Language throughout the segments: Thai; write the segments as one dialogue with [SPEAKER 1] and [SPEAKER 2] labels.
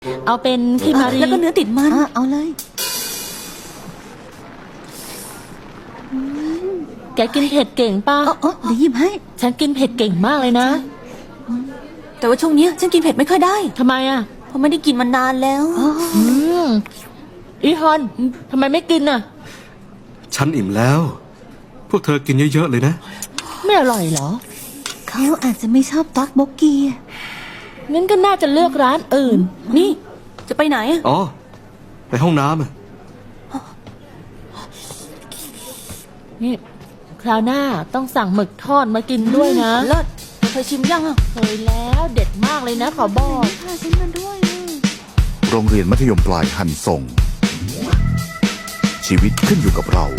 [SPEAKER 1] เอาเป็นคิมารี
[SPEAKER 2] แล้วก็เนื้อติดมันเอาเลย
[SPEAKER 1] แกกินเผ็ดเก่งป่ะ
[SPEAKER 2] อ๋อเดี๋ยวหยิบให้
[SPEAKER 1] ฉันกินเผ็ดเก่งมากเลยนะ
[SPEAKER 2] แต่ว่าช่วงนี้ฉันกินเผ็ดไม่ค่อยได้
[SPEAKER 1] ทำไมอ่ะ
[SPEAKER 2] เพราะไม่ได้กินมานานแล้ว
[SPEAKER 1] อีฮอนทำไมไม่กินอ่ะ
[SPEAKER 3] ฉันอิ่มแล้ว พวกเธอกินเยอะๆเลยนะ
[SPEAKER 1] ไม่อร่อยเหรอ
[SPEAKER 2] เขาอาจจะไม่ชอบต๊อกโบกี้
[SPEAKER 1] งั้นก็น่าจะเลือกร้านอื่น
[SPEAKER 2] นี่จะไปไหนอะ
[SPEAKER 3] อ๋อ ไปห้องน้ำอะ
[SPEAKER 1] นี่คราวหน้าต้องสั่งหมึกทอดมากินด้วยนะ
[SPEAKER 2] เลิศเคยชิมยังอะ
[SPEAKER 1] เคยแล้วเด็ดมากเลยนะขอบอก
[SPEAKER 2] พาฉันมาด้วย
[SPEAKER 4] โรงเรียนมัธยมปลายฮันซงชีวิตขึ้นอยู่กับเรา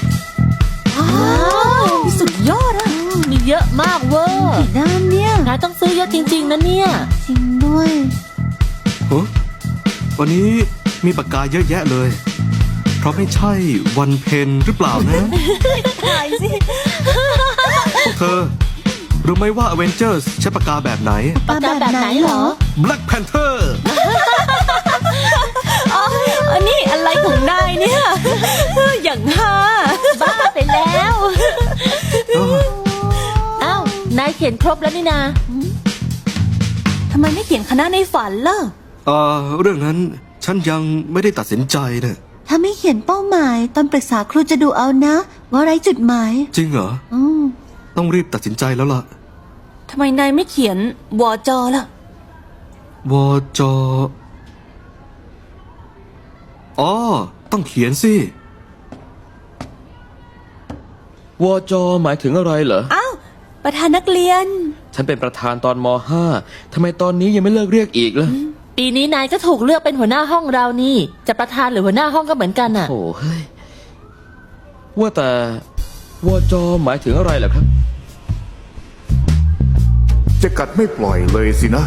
[SPEAKER 2] สุดยอดอะ
[SPEAKER 1] มีเยอะมากเวอร์
[SPEAKER 2] กี่ด้านเนี่ย
[SPEAKER 1] นายต้องซื้อเยอะจริงๆนะเนี่ย
[SPEAKER 2] จริงด้วย
[SPEAKER 3] ฮะวันนี้มีปากกาเยอะแยะเลย เพราะไม่ใช่วันเพนหรือเปล่านะ
[SPEAKER 2] ถ่ายสิ
[SPEAKER 3] พวกเธอ รู้ไหมว่า Avengers ใช้ปากกาแบบไหน
[SPEAKER 1] ปากกาแบบไหนเหรอ
[SPEAKER 3] Black Panther
[SPEAKER 2] อันนี้อะไรของนายเนี่ย อย่างฮา
[SPEAKER 1] บ้าไปแล้วอ้าวนายเขียนครบแล้วนี่นา
[SPEAKER 2] ทำไมไม่เขียนคณะในฝันล่ะ
[SPEAKER 3] เรื่องนั้นฉันยังไม่ได้ตัดสินใจนะ
[SPEAKER 2] ถ้าไม่เขียนเป้าหมายตอนปรึกษาครูจะดูเอานะ ว่าไรจุดหมาย
[SPEAKER 3] จริงเหรอ ต้องรีบตัดสินใจแล้วล่ะ
[SPEAKER 2] ทำไมนายไม่เขียนวอจอล่ะ
[SPEAKER 3] วจอ๋อ ต้องเขียนสิ
[SPEAKER 5] วจหมายถึงอะไรเหรอ
[SPEAKER 2] อ้าว ประธานนักเรียน
[SPEAKER 5] ฉันเป็นประธานตอนม .5 ทำไมตอนนี้ยังไม่เลิกเรียกอีกล่ะ
[SPEAKER 1] ปีนี้นายก็ถูกเลือกเป็นหัวหน้าห้องเรานี่ จะประธานหรือหัวหน้าห้องก็เหมือนกันอ่ะ
[SPEAKER 5] โอ้เฮ้ย ว่าแต่วจหมายถึงอะไรเหรอครับ
[SPEAKER 4] จะกัดไม่ปล่อยเลยสินะ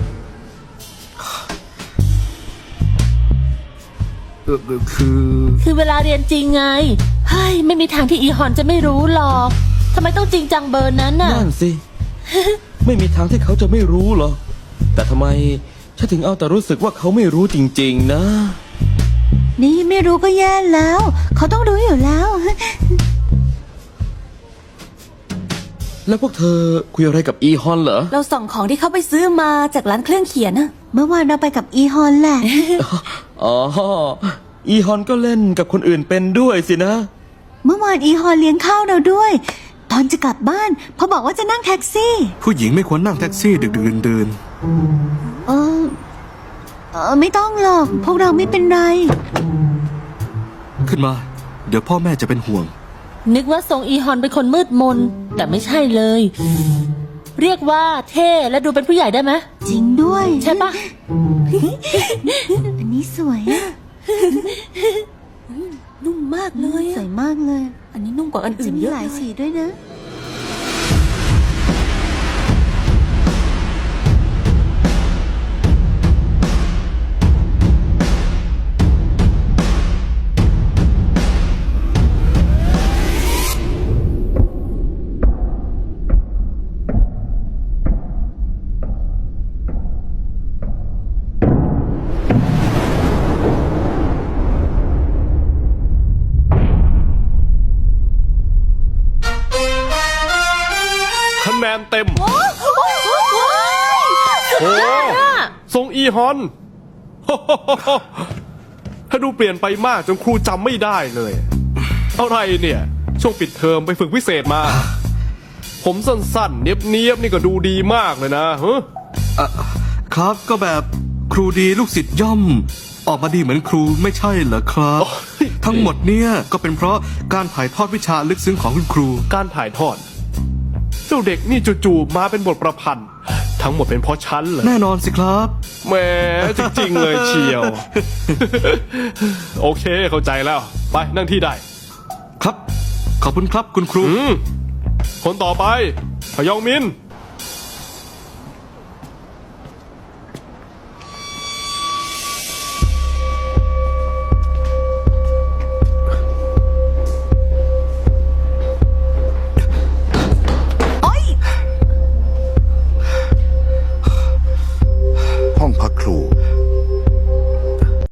[SPEAKER 1] คือเวลาเรียนจริงไง เฮ้ย ไม่มีทางที่อีฮอนจะไม่รู้หรอก ทำไมต้องจริงจังเบอร์นั้นน่ะ
[SPEAKER 5] นั่นสิ ไม่มีทางที่เขาจะไม่รู้หรอก แต่ทำไมฉันถึงเอาแต่รู้สึกว่าเขาไม่รู้จริงๆนะ
[SPEAKER 2] นี่ไม่รู้ก็แย่แล้ว เขาต้องรู้อยู่แล้ว
[SPEAKER 5] แล้วพวกเธอคุยอะไรกับอีฮอนเหรอ
[SPEAKER 2] เราส่งของที่เขาไปซื้อมาจากร้านเครื่องเขียนนะเมื่อวานเราไปกับอีฮอนแหละ
[SPEAKER 5] อ๋อ อีฮอนก็เล่นกับคนอื่นเป็นด้วยสินะ
[SPEAKER 2] เมื่อวานอีฮอนเลี้ยงข้าวเราด้วย ตอนจะกลับบ้านเขาบอกว่าจะนั่งแท็กซี่
[SPEAKER 3] ผู้หญิงไม่ควรนั่งแท็กซี่ดึกๆดื่น
[SPEAKER 2] ไม่ต้องหรอก พวกเราไม่เป็นไร
[SPEAKER 3] ๆขึ้นมา เดี๋ยวพ่อแม่จะเป็นห่วง
[SPEAKER 1] นึกว่าทรงอีฮอนเป็นคนมืดมน แต่ไม่ใช่เลย เรียกว่าเท่และดูเป็นผู้ใหญ่ได้ไหม
[SPEAKER 2] จริงด้วย
[SPEAKER 1] ใช่ปะ
[SPEAKER 2] อันนี้สวยอะนุ่มมากเลยสวยมากเลย อันนี้นุ่มกว่าอันอื่นเยอะหลายสีด้วยนะ
[SPEAKER 6] คะแนนเต็ม โอ้ทรงอีฮอน ถ้าดูเปลี่ยนไปมากจนครูจำไม่ได้เลย อะไรเนี่ย ช่วงปิดเทอมไปฝึกพิเศษมา ผมสั้นๆ เนียบๆ นี่ก็ดูดีมากเลยนะฮะ
[SPEAKER 3] ครับก็แบบครูดีลูกศิษย์ย่อม ออกมาดีเหมือนครูไม่ใช่เหรอครับ ทั้งหมดเนี่ยก็เป็นเพราะการถ่ายทอดวิชาลึกซึ้งของคุณครู
[SPEAKER 6] การถ่ายทอด เจ้าเด็กนี่จู่ๆมาเป็นบทประพันธ์ ทั้งหมดเป็นเพราะฉันเหรอ
[SPEAKER 3] แน่นอนสิครับ
[SPEAKER 6] แหมจริงๆเลยเชียว โอเคเข้าใจแล้ว ไปนั่งที่ได้
[SPEAKER 3] ครับ ขอบคุณครับคุณครู
[SPEAKER 6] คนต่อไปพยองมิน